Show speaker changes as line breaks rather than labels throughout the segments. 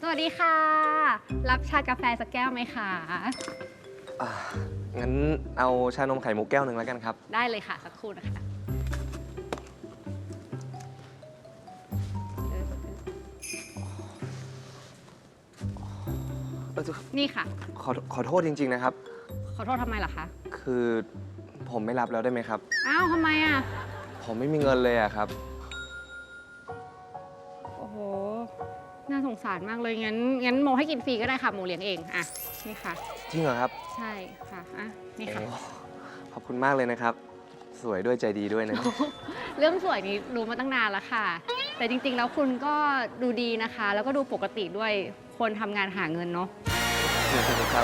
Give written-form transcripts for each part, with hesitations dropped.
วัสดีค่ะ รับชากาแฟสักแก้วไหมคะ
อ่างั้นเอาชานมไข่มุกแก้วหนึ่งแล้วกันครับ
ได้เลยค่ะ สักครู่นะคะ นี่ค่ะ
ขอโทษจริงๆนะครับ
ขอโทษทำไมล่ะคะ
คือผมไม่รับแล้วได้ไหมครับ
อ้าวทำไมอ่ะ
ผมไม่มีเงินเลยอะครับ
โอ้โห น่าสงสารมากเลย งั้นโมให้กินฟรีก็ได้ค่ะ โมเลี้ยงเอง อ่ะ นี่ค่ะ
จริงเหรอครับ
ใช่ค่ะ อ่ะ นี่ค่ะ
โอ้ขอบคุณมากเลยนะครับ สวยด้วยใจดีด้วยนะ
เรื่องสวยนี้รู้มาตั้งนานแล้วค่ะ แต่จริงๆ แล้วคุณก็ดูดีนะคะ แล้วก็ดูปกติด้วย คนทำงานหาเงินเนาะ
ครับ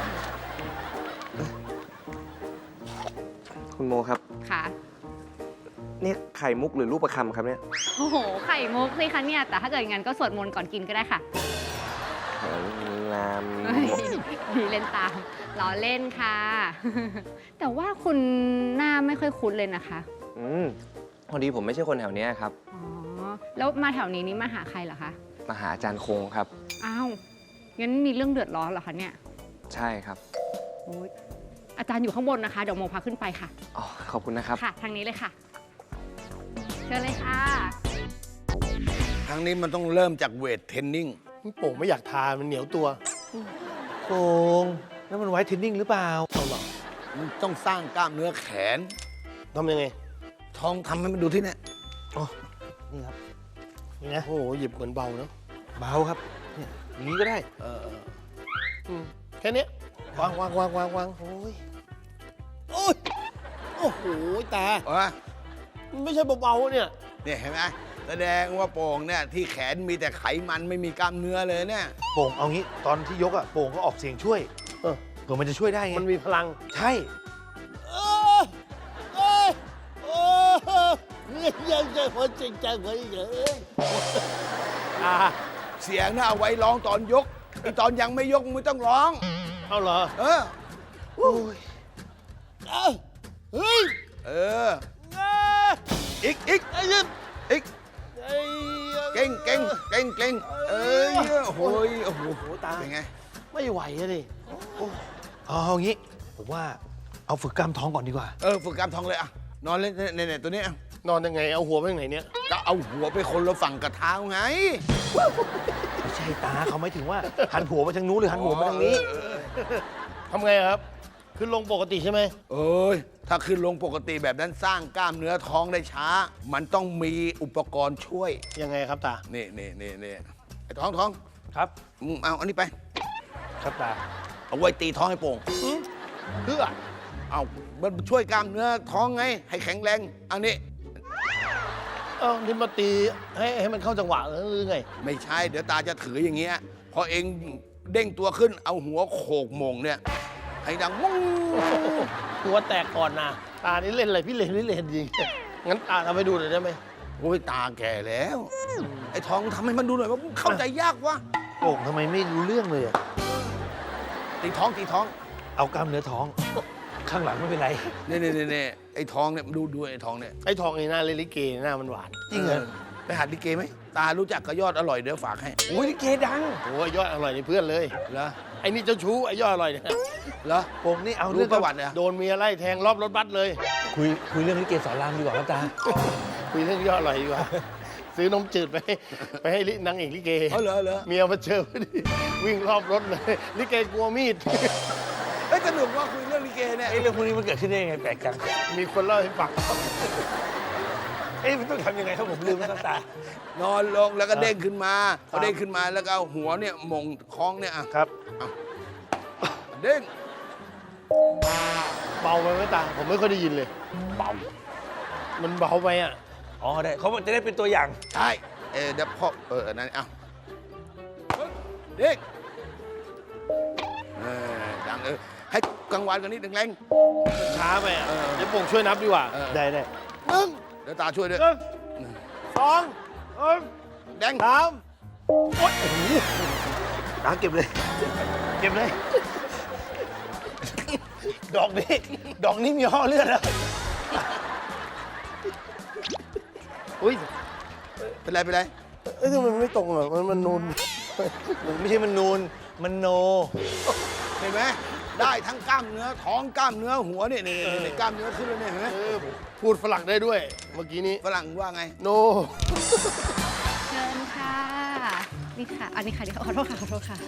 คุณโมครับ
ค่ะ
นี่ไข่มุกหรือลูกประคำครับเนี่ย
โอ้โห ไข่มุกสิคะเนี่ย แต่ถ้าเกิดงั้นก็สวดมนต์ก่อนกินก็ได้ค่ะ
โอ้ยงาม
เฮ้ยมีเล่นตามล้อเล่นค่ะ แต่ว่าคุณหน้าไม่ค่อยคุ้นเลยนะคะ
พอดีผมไม่ใช่คนแถวเนี้ยครับ
อ๋อ แล้วมาแถวนี้นี่มาหาใครเหรอคะ
มาหาอาจารย์คงครับ
อ้าว งั้นมีเรื่องเดือดร้อนเหรอคะเนี่ย
ใช่ครับ
โอ๊ยอาจารย์อยู่ข้างบนนะคะ เดี๋ยวโมพาขึ้นไปค่ะ
อ๋อ ขอบคุณนะครับ
ค่ะ ทางนี้เลยค่ะ เชิญเลยค่ะ
ครั้งนี้มันต้องเริ่มจากเวทเทรนนิ่ง
โป่งไม่อยากทานมันเหนียวตัว
โป่งนั่นมันไว้เทรนนิ่งหรือเปล่า
เอาหรอ
มันต้องสร้างกล้ามเนื้อแขน
ทำยังไง
ท้องทำให้มันดูที่เนี่ย
นี่ครับ
นี่นะโอ้โหหยิบเหมือนเบาเนอะ
เบาครับเนี่ยอย่างนี้ก็ได้
แค่เนี้ยวางโอ้ยโอ้ยโอ้โหตา มันไม่ใช่เบาๆเนี่ย
เนี่ยเห็นไหมแสดงว่าโป่งเนี่ยที่แขนมีแต่ไขมันไม่มีกล้ามเนื้อเลยเนี่ย
โป่งเอางี้ตอนที่ยกอะโป่งก็ออกเสียงช่วย
เออ
เผื่อมันจะช่วยได้ไง
มันมีพลัง
ใช่
เออเออเออเนี่ยยังจะหัวจริงจังหัวเยอะอ่า
เสียงน่ะเอาไว้ร้องตอนยกไอตอนยังไม่ยกมึงไม่ต้องร้อง
เอาเหรอ
เออ
โอ้ยเอ้าเฮ้ย
เออ อีก
ไอ้ยิบ
อีก
ไอ้
เก่งเอ้ยโอ้โหโอ้โห
ตา
เป็นไง
ไม่ไหวอะดิ
เอางี้ผมว่าเอาฝึกกล้ามท้องก่อนดีกว่า
ฝึกกล้ามท้องเลยอะนอนเล่นเนี่ยตัวเนี้ย
นอนยังไง เอาหัวไปไหนเนี่ย
ก็เอาหัวไปคนละฝั่งกับเท้าไง
ไม่ใช่ตาเขาไม่ถึงว่า หันหัวไปทางนู้นหรือหันหัวไปทางนี้
ทำไงครับ ขึ้นลงปกติใช่ไหม
เอ้ย ถ้าขึ้นลงปกติแบบนั้นสร้างกล้ามเนื้อท้องได้ช้า มันต้องมีอุปกรณ์ช่วย
ยังไงครับตา
นี่ไอ้ท้อง
ครับ
มึงเอาอันนี้ไป
ครับตา
เอาไว้ตีท้องให้โป่ง
เพื่อ
เอามันช่วยกล้ามเนื้อท้องไง ให้แข็งแรง อันนี้
เอ้านี่มาตีให้มันเข้าจังหวะหรือไง
ไม่ใช่ เดี๋ยวตาจะถืออย่างเงี้ย พอเองเด้งตัวขึ้น เอาหัวโขกมงเนี่ย ให้ดังมุ้ง
หัวแตกก่อนนะ ตานี่เล่นอะไรพี่เล่นจริง งั้นตาทำให้ดูหน่อยได้ไหม
โอ้ยตาแก่แล้ว ไอ้ท้องทำให้มันดูหน่อยว่ามึงเข้าใจยากวะ
โป่งทำไมไม่รู้เรื่องเลยอะ
ตีท้อง
เอากล้ามเนื้อท้อง ข้างหลังไม่เป็นไร
นี่ไอ้ท้องเนี่ยดูไอ้ท้องเนี่ย
ไอ้ทองไอ้หน้าเลนลิเกหน้ามันหวาน
จริงเหรอ
ไปหัดลิเกไหม ตารู้จักกระยอดอร่อยเดี๋ยวฝากให้
โอ้ยลิเกดัง
โอ้ยยอดอร่อยนี่เพื่อนเลย
เหรอ
ไอ้นี่เจ้าชู้ไอ้ยอดอร่อยเนี่ย
เหรอ
โป่งนี่เอา
รู้
เรื่อง
ประวัติเหรอ
โดนเมียไล่แทงรอบรถบัสเลย
คุยเรื่องลิเกสอนรามดีกว่าครับตา
คุยเรื่องยอดอร่อยดีกว่า ซื้อนมจืดไปให้นางเอกลิเก
เหรอ
เมียมาเจอพอดีวิ่งรอบรถเลยลิเกกลัวมีด
เฮ้ยสนุกว่าคุยเรื่องลิเกเนี่ย
ไอ้เรื่องพวกนี้มันเกิดขึ้นได้ยังไงแปลกจัง
มีคนเล่าให้ฟัง
เอ้ยมันต้องทำยังไงครับผมลืมแล้วครับตา
นอนลงแล้วก็เด้งขึ้นมาพอเด้งขึ้นมาแล้วก็เอาหัวเนี่ยหมงท้องเนี่ยอ่ะ
ครับ
เด้ง
เบาไปไหมตา ผมไม่ค่อยได้ยินเลย เบา มันเบาไปอ่ะ
อ๋อได้เขาจะได้เป็นตัวอย่าง
ใช่เดี๋ยวพ่อนั่นเอาเด้งดังให้กลางวันกันนิดแรง
ช้าไปอ่ะเดี๋ยวป่งช่วยนับดีกว่า ได้
ๆ
หนึ่ง
เดี๋ยวตาช่วยด้วย
สอง
แดง
สาม
ตาเก็บเลย เก็บเลย ดอกนี้มีห่อเลือดแล้ว
อุ้ย
เป็นไร
เอ้ยทำไมมันไม่ตรงอ่ะมันนูน
มันไม่ใช่มันนูน มันโน
เห็นไหมได้ทั้งกล้ามเนื้อท้องกล้ามเนื้อหัวเนี่ยกล้ามเนื้อขึ้นแล้วเนี่ยเห็นไหม
พูดฝรั่งได้ด้วย เมื่อกี้นี้
ฝรั่งว่าไง
โน
เชิญค่ะ นี่ค่ะ อันนี้ค่ะเดี๋ยวขอโทษค่ะ ขอโทษค่ะ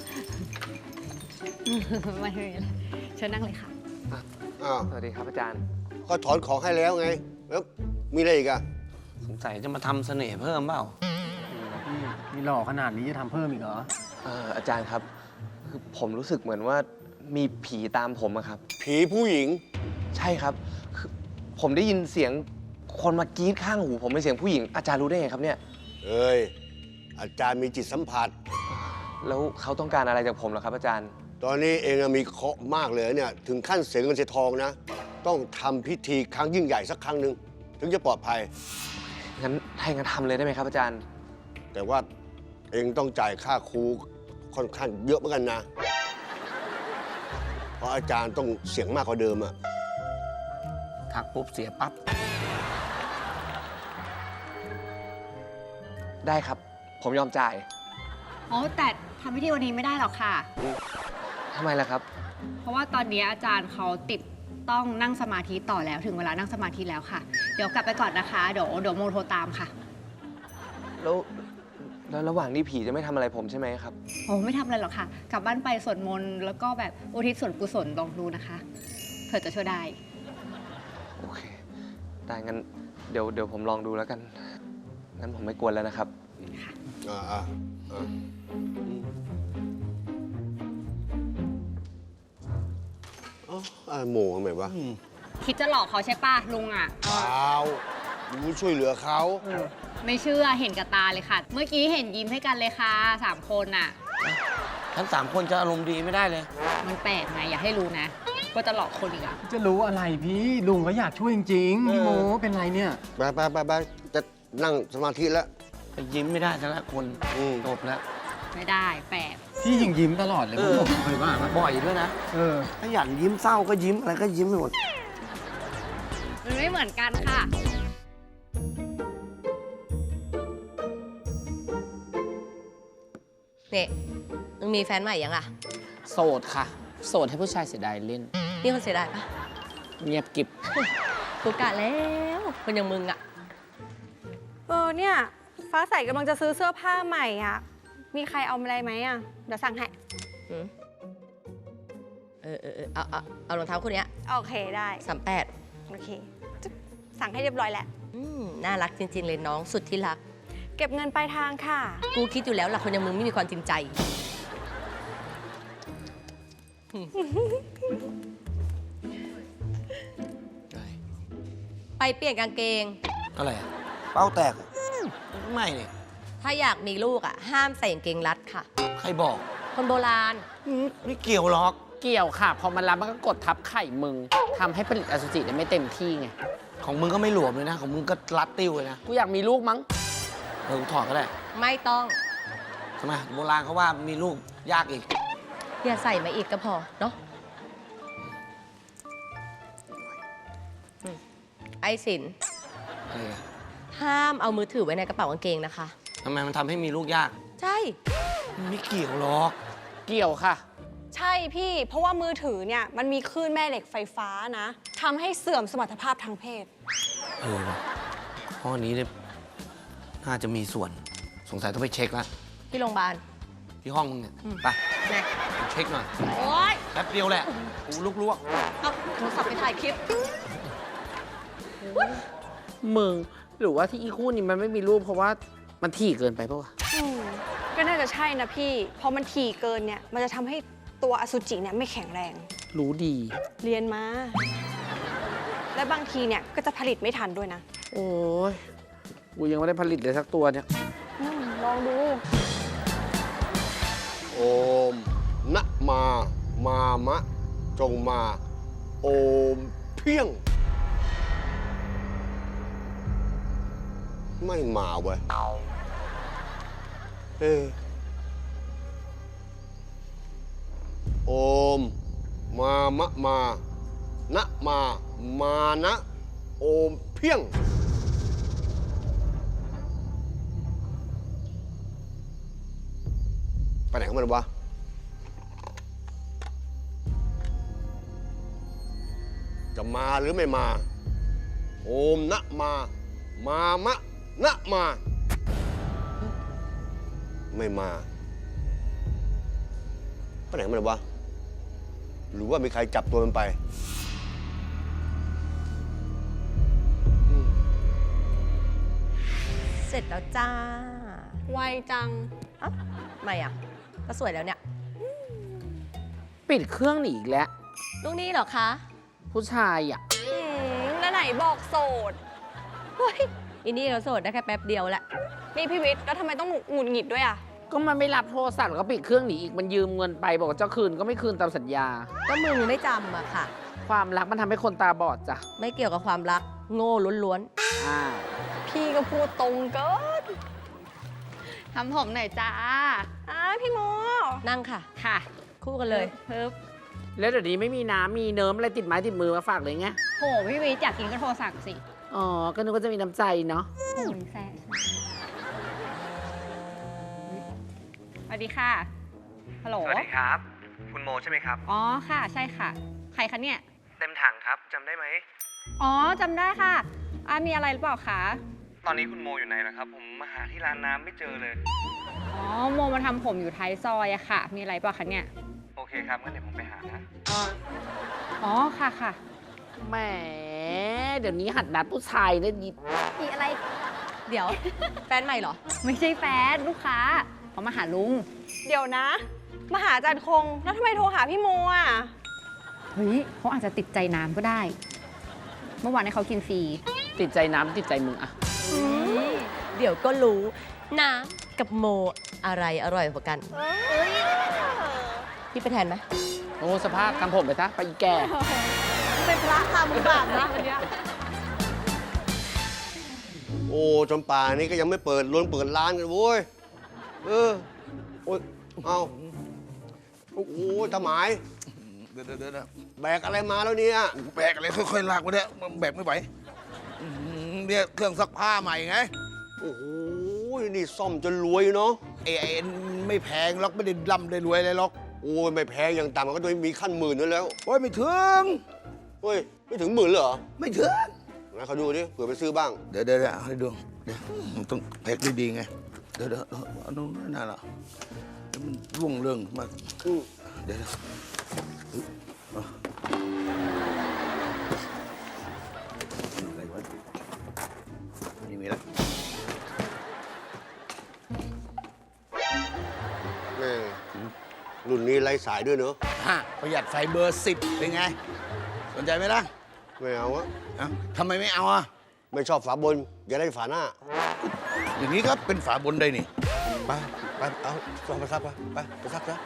ไม่เป็นไรเชิญนั่งเลยค่ะ
อ้าว
สวัสดีครับอาจารย์
ก็ถอนของให้แล้วไง แล้วมีอะไรอีกอะ
สงสัยจะมาทำเสน่ห์เพิ่มเปล่า
มีหล่อขนาดนี้จะทำเพิ่มอีกเหรอ
อาจารย์ครับ คือผมรู้สึกเหมือนว่ามีผีตามผมอะครับ
ผีผู้หญิง
ใช่ครับ คือผมได้ยินเสียงคนมากรี๊ดข้างหู ผมเป็นเสียงผู้หญิง อาจารย์รู้ได้ไงครับเนี่ย
เอ้ย อาจารย์มีจิตสัมผัส
แล้วเขาต้องการอะไรจากผมเหรอครับอาจารย์
ตอนนี้เองอะมีเคราะห์มากเลยเนี่ย ถึงขั้นเสียเงินเสียทองนะ ต้องทำพิธีครั้งยิ่งใหญ่สักครั้งหนึ่งถึงจะปลอดภัย
งั้นให้งั้นทำเลยได้ไหมครับอาจารย์
แต่ว่าเองต้องจ่ายค่าครูค่อนข้างเยอะเหมือนกันนะ เพราะอาจารย์ต้องเสียงมากกว่าเดิมอะ
ทักปุ๊บเสียปั๊บ
ได้ครับ ผมยอมจ่าย
อ๋อ แต่ทำพิธีวันนี้ไม่ได้หรอกค่ะ
ทำไมล่ะครับ
เพราะว่าตอนนี้อาจารย์เขาติดต้องนั่งสมาธิต่อแล้ว ถึงเวลานั่งสมาธิแล้วค่ะ เดี๋ยวกลับไปก่อนนะคะ เดี๋ยวโมโทรตามค่ะ
แล้วระหว่างนี้ผีจะไม่ทำอะไรผมใช่ไหมครับ
โอ้ไม่ทำอะไรหรอกค่ะ กลับบ้านไปสวดมนต์แล้วก็แบบอุทิศส่วนกุศลลองดูนะคะ เผื่อจะช่วยได้
โอเค ได้งั้นเดี๋ยวผมลองดูแล้วกัน งั้นผมไม่กวนแล้วนะครับ
อ่าโมทำไมวะ
คิดจะหลอกเขาใช่ป่ะลุงอ่ะ
เปล่ารู้ช่วยเหลือเขา
ไม่เชื่อเห็นกับตาเลยค่ะ เมื่อกี้เห็นยิ้มให้กันเลยค่ะ3 คนน่ะ
ทั้ง3 คนจะอารมณ์ดีไม่ได้เลย
มันแปลกไงอย่าให้รู้นะว่าจะหลอกคนอีกอ่ะ
จะรู้อะไรพี่ ลุงก็อยากช่วยจริงๆพี่โมเป็นไรเนี่ย
ไปจะนั่งสมาธิแล้ว
ไปยิ้มไม่ได้แต่ละคน
อืม
จบแล้ว
ไม่ได้แปลก
พี่ยิงยิ้มตลอดเลยผมเคยว่าปะ
บ่อยด้วยนะ ถ้าอยากยิ้มเศร้าก็ยิ้มอะไรก็ยิ้มไปหมด
มันไม่เหมือนกันค่ะ
เนี่ยมึงมีแฟนใหม่ยังอ่ะ
โสดค่ะ โสดให้ผู้ชายเสียดายเล่น
นี่คนเสียดายปะ
เงียบกิบ
กูกะแล้วคนอย่างมึงอ่ะ
เนี่ยฟ้าใสกำลังจะซื้อเสื้อผ้าใหม่อ่ะ มีใครเอาอะไรไหมอ่ะ เดี๋ยวสั่งให้
หืมเอารองเท้าคู่เนี้ย
โอเคได้
38
โอเคจึ๊บสั่งให้เรียบร้อยแล้ว
น่ารักจริง ๆ เลยน้องสุดที่รัก
เก็บเงินปลายทางค่ะ
กูคิดอยู่แล้วล่ะคนอย่างมึงไม่มีความจริงใจ ไปเปลี่ยนกางเกง
อะไรอะเป้าแตกอะไม่เนี่ย
ถ้าอยากมีลูกอ่ะ ห้ามใส่กางเกงรัดค่ะ
ใครบอก
คนโบราณ
ไม่เกี่ยวหรอก
เกี่ยวค่ะ พอมันรับมันก็กดทับไข่มึงทำให้ผลิตอสุจิได้ไม่เต็มที่ไง
ของมึงก็ไม่หลวมเลยนะ ของมึงก็รัดติ้วเลยนะ
กูอยากมีลูกมั้ง
กูถอดก็ได้
ไม่ต้อง
ทำไมโบราณเขาว่ามีลูกยากอีก
อย่าใส่มาอีกก็พอ เนาะไอสิน
อะไรอะ
ห้ามเอามือถือไว้ในกระเป๋ากางเกงนะคะ
ทำไมมันทำให้มีลูกยาก
ใช่
มันไม่เกี่ยวหรอก
เกี่ยวค่ะ
ใช่พี่ เพราะว่ามือถือเนี่ยมันมีคลื่นแม่เหล็กไฟฟ้านะทำให้เสื่อมสมรรถภาพทางเพศ
ว่ะข้อนี้เนี่ยน่าจะมีส่วน สงสัยต้องไปเช็คละ
ที่โรงพยาบาล
ที่ห้องมึงเนี่ย ไป
นะ
ไปเช็คหน่อย
โอ๊ย
แป๊บเดียวแหละกูลุกลวก
เอาโทรศัพท์ไปถ่ายคลิป
มึง หรือว่าที่อีคู่นี้มันไม่มีรูปเพราะว่ามันถี่เกินไปปะวะ
ก็น่าจะใช่นะพี่ พอมันถี่เกินเนี่ย มันจะทำให้ตัวอสุจิเนี่ยไม่แข็งแรง
รู้ดี
เรียนมา และบางทีเนี่ยก็จะผลิตไม่ทันด้วยนะ
โอ้ย กูยังไม่ได้ผลิตเลยสักตัวเนี่ย
ลองดู
โอมนะมามะ จงมา โอมเพียง ไม่มาเว้ยโอมมามะมานะมานะ โอมเพียง อไปไหนของมันวะ จะมาหรือไม่มา โอมนะมา มามะนะมา ไม่มา ไปไหนของมันวะ หรือว่ามีใครจับตัวมันไป
เสร็จแล้วจ้า
ไวจัง
เอ้าไม่อ่ะ ก็สวยแล้วเนี่ย
ปิดเครื่องหนีอีกแล้ว
ลูกนี้เหรอคะ
ผู้ชายอ่ะ
แล้วไหนบอกโสด
เฮ้ยอินนี่เราโสดได้แค่แป๊บเดียวแหละ
นี่พี่วิทย์แล้วทำไมต้องหงุดหงิดด้วยอ่ะ
ก็มันไม่รับโทรศัพท์แล้วก็ปิดเครื่องหนีอีกมันยืมเงินไปบอกว่าจะคืนก็ไม่คืนตามสัญญา
ก็มึงไม่จำอะค่ะ
ความรักมันทำให้คนตาบอดจ้ะ
ไม่เกี่ยวกับความรัก โง่ล้วน
อ้าว
พี่ก็พูดตรงเกิน
ทำผมหน่อยจ้า
พี่โม
ๆ นั่งค่ะ
ค่ะ
คู่กันเลย
เพิ่ม
แล้วเดี๋ยวนี้ไม่มีน้ำมีเนิมอะไรติดไม้ติดมือมาฝากเลยไง
โหพี่วิทย์อยากกินก็โทรสั่งสิ
อ๋อ ก็นึกว่าจะมีน้ำใจเนาะ
โอ้ยแซ่สวัสดีค่ะ ฮัลโหล
สวัสดีครับ คุณโมใช่ไหมครับ
อ๋อค่ะ ใช่ค่ะ ใครคะเนี่ย
เต็มถังครับจำได้ไหม
อ๋อจำได้ค่ะมีอะไรหรือเปล่าคะ
ตอนนี้คุณโมอยู่ไหนแล้วครับ ผมมาหาที่ร้านน้ำไม่เจอเลย
อ๋อโมมาทำผมอยู่ท้ายซอยอะค่ะ มีอะไรเปล่าคะเนี่ย
โอเคครับงั้นเดี๋ยวผมไปหานะ
อ๋อค่ะค่ะ
แหม เดี๋ยวนี้หัดนัดผู้ชายนะดิ
มีอะไร
เดี๋ยว แฟนใหม่เหรอ
ไม่ใช่แฟนลูกค้าเขามาหาลุง
เดี๋ยวนะ มาหาอาจารย์คง แล้วทำไมโทรหาพี่โมอ่ะ
เฮ้ยเขาอาจจะติดใจน้ำก็ได้ เมื่อวานให้เขากินฟรี
ติดใจน้ำติดใจมึงอะ
เดี๋ยวก็รู้ น้ำกับโมอะไรอร่อยกว่ากัน พี่ไปแทนไหม
โอ้สภาพทำผมไปซะไปอีแก่
เป็นพระทำมือบาปนะวันนี้
โอ้จนป่านนี้ก็ยังไม่เปิดเปิดร้านกันโว้ย เออ โอ้ย เอาโอ้โหตาหมาย
เดี๋ยว
แบกอะไรมาแล้วเนี่ย
แบกอะไรค่อยๆลากมาเนี่ยมันแบกไม่ไหวเนี่ยเครื่องซักผ้าใหม่ไง
โอ้โห นี่ซ่อมจนรวยเนาะ
ไอ้ไม่แพงหรอกไม่ได้ร่ำได้รวยอะไรหรอก
โอ้ย ไม่แพงอย่างต่ำมันก็ต้องมีขั้นหมื่นนั่นแล้ว
โอ้ยไม่ถึง
เฮ้ย ไม่ถึงหมื่นเลยเหรอ
ไม่ถึง
งั้นเขาดูดิเผื่อไปซื้อบ้าง
เดี๋ยวให้ดูเดี๋ยวมันต้องแพ็คดีๆไง เดี๋ยวเอาตรงนั้นน่ะเดี๋ยวมันร่วงเรื่องมาก เดี๋ยวอะไรวะนี่มีแล้ว
แม่รุ่นนี้ไร้สายด้วยเนอะ
ประหยัดไฟเบอร์ 10 เป็นไง สนใจไหมล่ะ
ไม่เอาอะ
เอ้าทำไมไม่เอาอ่ะ
ไม่ชอบฝาบน อย่าได้ฝาหน้า
อย่างนี้ก็เป็นฝาบนได้นี่
ไปเอาซ่อมไปซักไปซักซะ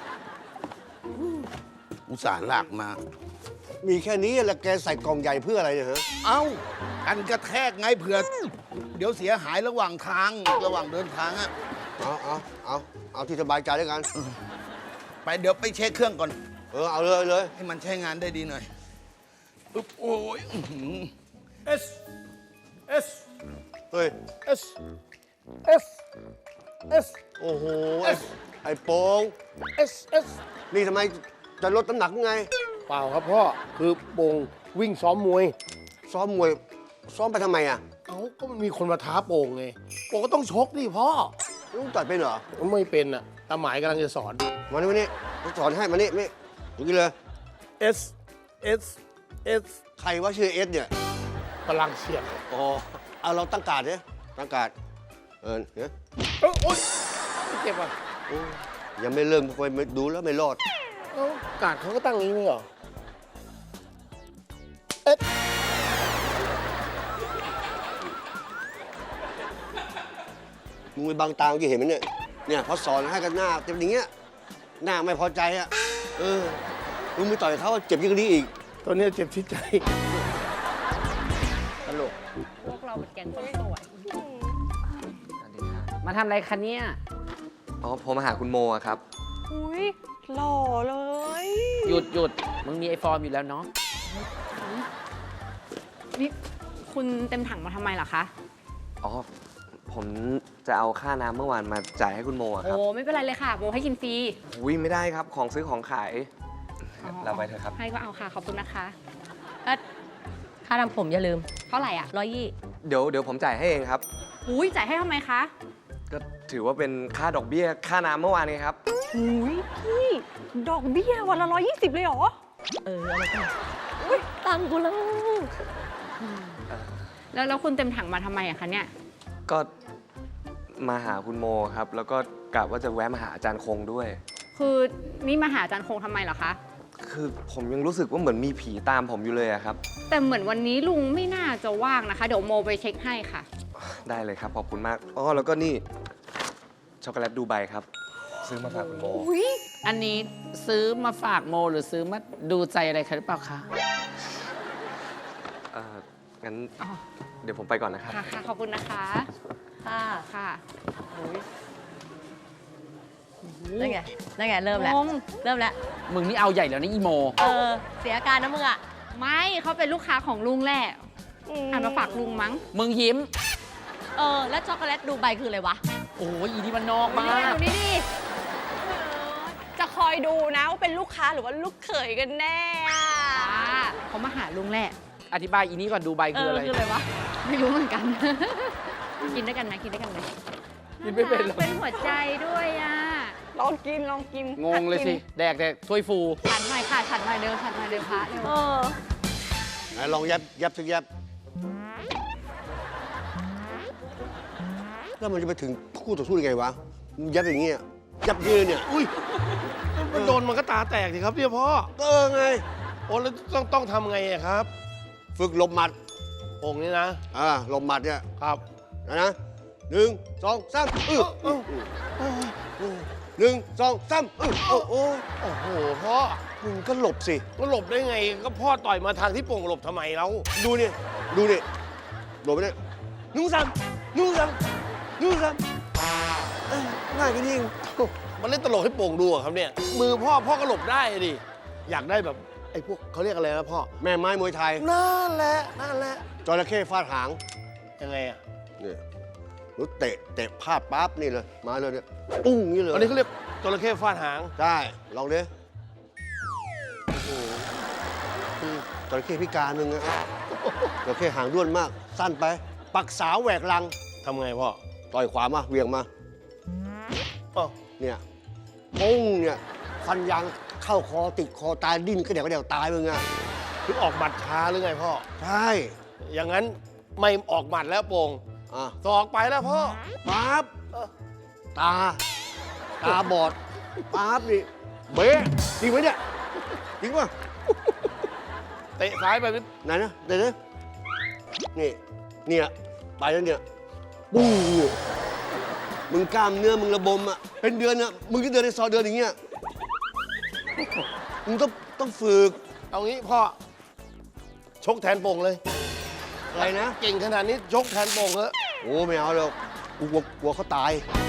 อุตส่าห์ลากมา
มีแค่นี้แล้วแกใส่กล่องใหญ่เพื่ออะไรเนี่ยฮะ
เอ้ากันกระแทกไงเผื่อ เดี๋ยวเสียหายระหว่างทางระหว่างเดินทางอะ
เอาที่สบายใจด้วยกัน
ไปเดี๋ยวไปเช็คเครื่องก่อน
เอาเลย
ให้มันใช้งานได้ดีหน่อยอุ๊บโอ้ยอื้อหือ
S S
เฮ้ย
S S S
โอ้โห ไอ้โป้ง
S S
นี่ทำไมจะลดน้ำหนักไง
เปล่าครับพ่อ คือโป่งวิ่งซ้อมมวย
ซ้อมมวย ซ้อมไปทำไมอ่ะ
เอ้า ก็มันมีคนมาท้าโป่งไง โป่งก็ต้องชกดิพ่อ
ลุงต่อยเป็นเหรอ
ไม่เป็นอ่ะตาหมายกำลังจะสอน
มานี่ผมสอนให้มานี่ดูกินเลย
S S S
ใครว่าชื่อเอสเนี่ย
พลังเฉียด
อ๋อ เอาเราตั้งการ์ดเนี่ยตั้งการ์ดเนี่ย
โอ๊ยเจ็บอ่ะ
โอ้ยยังไม่เริ่มไปดูแล้วไม่รอด
เอ้ากาดเขาก็ตั้งอย่างนี้ไม่เหรอ S
มึงไปบังตาเมื่อกี้เห็นไหมเนี่ย เนี่ยพอสอนให้กันหน้าเจ็บอย่างเงี้ย หน้าไม่พอใจอ่ะ มึงไปต่อยเขาเจ็บยิ่งกว่านี้อีก
ตัวเนี้ยเจ็บที่ใจ
ตลก
พวกเราเป็นแก๊งคนสวย
มาทำอะไรคะเนี่ย
อ๋อผมมาหาคุณโมอะครับ
อุ้ยหล่อเลย
หยุด มึงมีไอฟอร์มอยู่แล้วเนาะ
นี่คุณเต็มถังมาทำไมล่ะคะ
อ๋อผมจะเอาค่าน้ำเมื่อวานมาจ่ายให้คุณโมอะครับ
โอ้ไม่เป็นไรเลยค่ะโมให้กินฟรี
อุ้ยไม่ได้ครับ ของซื้อของขายเราไปเถอะครับ
ให้ก็เอาค่ะ ขอบคุณนะคะ
ค่าทำผมอย่าลืม
เท่าไหร่อ่ะ
120
เดี๋ยวผมจ่ายให้เองครับ
อุ้ยจ่ายให้ทำไมคะ
ก็ถือว่าเป็นค่าดอกเบี้ยค่าน้ำเมื่อวานนี้ครับ
อุ้ยพี่ ดอกเบี้ยวันละ120เลยเหรอ
อะไรกันตังค์กูแล้ว
แล้วคุณเต็มถังมาทำไมอะคะเนี่ย
ก็มาหาคุณโมครับ แล้วก็กะว่าจะแวะมาหาอาจารย์คงด้วย
คือนี่มาหาอาจารย์คงทำไมเหรอคะ
คือผมยังรู้สึกว่าเหมือนมีผีตามผมอยู่เลยอะครับ
แต่เหมือนวันนี้ลุงไม่น่าจะว่างนะคะ เดี๋ยวโมไปเช็คให้ค่ะ
ได้เลยครับ ขอบคุณมาก อ๋อ แล้วก็นี่ ช็อกโกแลตดูไบครับ ซื้อมาฝากคุณโม
อันนี้ซื้อมาฝากโมหรือซื้อมาดูใจอะไรคะหรือเปล่าคะ
งั้น
อ๋อ
เดี๋ยวผมไปก่อนนะครับ
ค่ะค่ะขอบคุณนะคะ
ค่ะ
ค่ะ
นั่นไง เริ่มแล้ว
งง
เริ่มแล้ว
มึงนี่เอาใหญ่แล้วนี่อีโม
เสียอาการนะมึงอ่ะ
ไม่เขาเป็นลูกค้าของลุงแหละอ่านมาฝากลุงมั้ง
มึงยิ้ม
แล้วช็อกโกแลตดูไบคืออะไรวะ
โอ้ยอีนี่มันนอกมา
นี่
ก
ดูนี่ดิ
จะคอยดูนะว่าเป็นลูกค้าหรือว่าลูกเขยกันแน่อะ
เขามาหาลุงแหละ
อธิบายอีนี่ก่อนดูไบคืออะไร
คืออะไรวะ
ไม่รู้เหมือนกัน กินด้วยกันไหมกินด้วยกันไหม
กินไม่เป็นหรอก
เป็นหัวใจด้วยอ่ะ
ลองกิน ลองกิน
งงเลยสิ แดกแต่ถ้วยฟู
ฉันหน่อยค่ะฉันหน่อยเร็วฉันหน่อยเร็วพระเร็ว
ไหนลองยับสักยับแล้วมันจะไปถึงคู่ต่อสู้ยังไงวะมึงยับอย่างเงี้ยยับยืนเนี่ย
อุ้ยมันโดนมันก็ตาแตกสิครับเนี่ยพ่อ
ก็ไง
โอ้แล้วต้องทำไงอะครับ
ฝึกหลบหมัด
องค์นี้นะ
หลบหมัดเนี่ย
ครับ
นะ1 2 31 2 3โอ้โห
โอ้โหพ่อ
มึงก็หลบสิ
ก็หลบได้ไง ก็พ่อต่อยมาทางที่โป่งหลบทำไมเรา
ดูนี่หลบไปเนี่ย1 3ง่ายกันเอง
มันเล่นตลกให้โป่งดูอะครับเนี่ย มือพ่อก็หลบได้ดิ อยากได้แบบไอ้พวกเขาเรียกอะไรนะพ่อ
แม่ไม้มวยไทย
นั่นแหละ
จระเข้ฟาดหาง
ยังไงอะ
เนี่ยหรือเตะพลาดปั๊บนี่เลย มาเลยเนี่ย ปุ้งนี่เลย
อันนี้เขาเรียกจระเข้ฟาดหาง
ได้ ลองดิโอ้โหจระเข้พิการมึงอะจระเข้หางด้วนมาก สั้นไป ปักษาแหวกลัง
ทำไงพ่อ
ต่อยขวามาเหวี่ยงมา
อ้าว
เนี่ยปุ้งเนี่ยฟันยางเข้าคอติดคอตายดิ้นก็เดี๋ยวตายมึงอะ
คือออกหมัดช้าหรือไงพ่อ
ใช่
อย่างนั้นไม่ออกหมัดแล้วโป่ง
อ่ะ
ศอกไปแล้วพ่อ
ปั๊บตาบอดปั๊บนี่เบ๊ะจริงไหมเนี่ยจริงป่ะ
เตะซ้ายไป
ไหนนะเดี๋ยวนะเนี่ยไปแล้วเนี่ยปุ้งเนี่ยมึงกล้ามเนื้อมึงระบมอ่ะเป็นเดือนอ่ะมึงก็เดินในซอยเดินอย่างเงี้ยมึงต้องฝึก
เอางี้พ่อ ชกแทนโป่งเลย
อะไรนะ
เก่งขนาดนี้ชกแทนโป่งเถอะ
โอ้ไม่เอาหรอกกูกลัวเขาตาย
เ